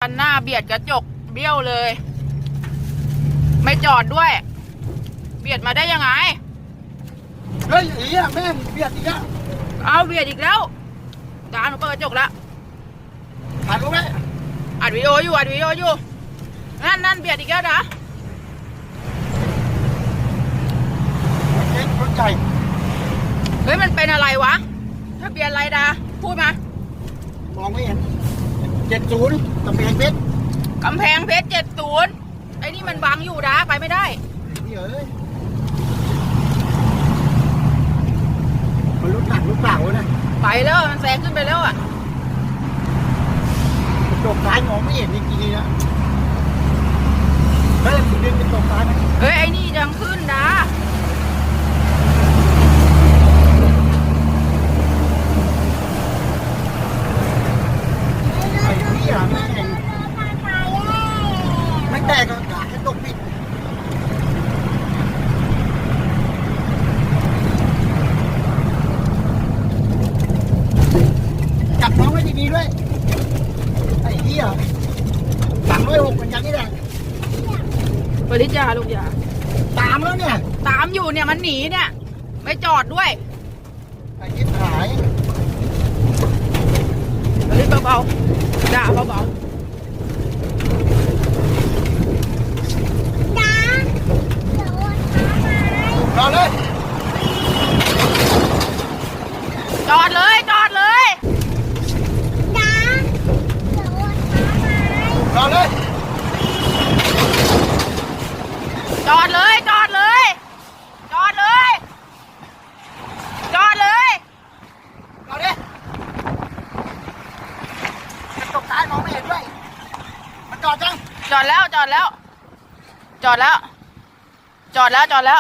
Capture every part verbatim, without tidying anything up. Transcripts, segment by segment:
คันหน้าเบียดกระจกเบี้ยวเลย ไม่จอดด้วยเบียดมาได้ยังไงเฮ้ยไอ้เหี้ยแม่งเบียดอีกแล้วเอาเบียดอีกแล้วตาหนูเปิดกระจกแล้วถ่ายรูปไหมอัดวิดีโออยู่อัดวิดีโออยู่นั่นนั่นเบียดอีกแล้วนะเจ๊รถใหญ่เฮ้ยมันเป็นอะไรวะถ้าเบียดอะไรดาพูดมามองไม่เห็นเจ็ดศูนย์กำแพงเพชรกำแพงเพชรเจ็ดศูนย์ไอ้นี่มันบังอยู่ดาไปไม่ได้นี่เอ้ยมันรถหนักรถเปล่านะไปแล้วมันแซงขึ้นไปแล้วอ่ะตกท้ายมองไม่เห็นจริงๆนะเฮ้ยดึงเป็นตกท้ายไหมเฮ้ยไอ้นี่ยังขึ้นนะไอ้นี่อ่ะแม่งไม่แตกก็แค่ตกปิดจับน้องไว้ดีๆด้วยไอ้เหี้ยสามร้อยหกเหมือนกันนี่แหละปริจาลูกยาตามแล้วเนี่ยตามอยู่เนี่ยมันหนีเนี่ยไม่จอดด้วยไอ้ยิบหายปริเบาๆด่าเบาๆด่ารอเลยจอดเลยจอดเลยรอเลยจอดเลยจอดเลยจอดเลยจอดเลยรอดิมันตกท้ายมองไม่เห็นด้วยมันจอดจังจอดแล้วจอดแล้วจอดแล้วจอดแล้วจอดแล้ว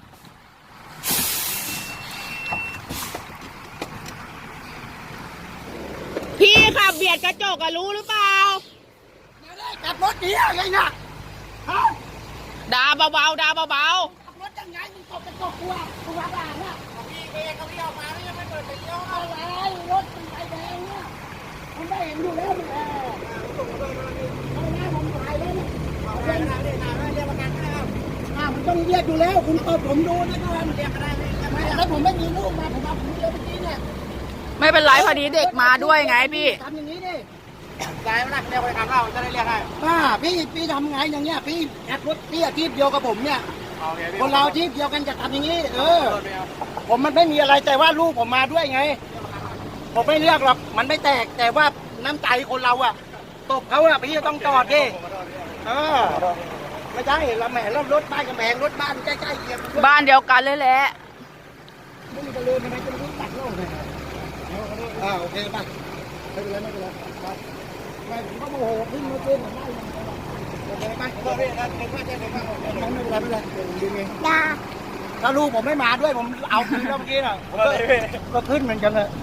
พี่ขับเบียดกระจกอะรู้หรือเปล่ากลับรถดีอะไรนะฮะด่าเบาๆด่าเบาๆขับรถยังไงมึงตกกระจกกูอ่ะกูว่าบ้าเนี่ยพี่เองเขาเลี้ยวมาแล้วยังไม่เปิดไฟเลี้ยวอะไรรถมันไฟแดงเนี่ยมันไม่เห็นอยู่แล้วมันแอบเอาหน้าผมถ่ายเลยเนี่ยเอาเรียกนะเรียกนะเรียกประกันให้เอาอ่ามันต้องเรียกอยู่แล้วคุณเปิดผมดูนะก่อนเรียกอะไรไม่แล้วผมไม่มีลูกมาผมเอาผมเดียวเมื่อกี้เนี่ยไม่เป็นไรพอดีเด็กมาด้วยไงพี่ทำอย่างนี้ดิยายมันเรียกไปทำเล่าจะได้เรียกให้ป้าพี่พี่ทำไงอย่างเงี้ยพี่แอดรถพี่อาชีพเดียวกับผมเนี่ยคนเราอาชีพเดียวกันจะทำอย่างนี้เออผมมันไม่มีอะไรแต่ว่าลูกผมมาด้วยไงผมไม่เรียกหรอกมันไม่แตกแต่ว่าน้ำใจคนเราอะตบเขาอะพี่ต้องจอดดิเออไม่ใช่เราแหมเรารถบ้านกับแหมรถบ้านใกล้ๆเคียงบ้านเดียวกันเลยแหละไม่มีจะลืมทำไมจะรู้ตัดโลกเลยอ่าโอเคป่ะไม่เป็นไรไม่เป็นไรไม่ผมก็โมโหขึ้นมาเต้นผมได้ยังโอเคไหมโอเคนะเด็กมากเด็กมากไม่เป็นไรไม่เป็นไรดึงเองถ้าลูกผมไม่มาด้วยผมเอาคืนแล้วเมื่อกี้น่ะก็ขึ้นเหมือนกันเลย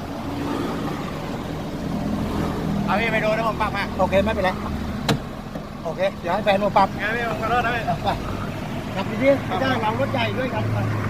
เอาพี่ไปดูนะผมปรับมาโอเคไม่เป็นไรโอเคเดี๋ยวให้แฟนผมปรับงั้นพี่ผมขอโทษนะพี่ไปขับดีๆไม่ได้เรารถใหญ่ด้วยกัน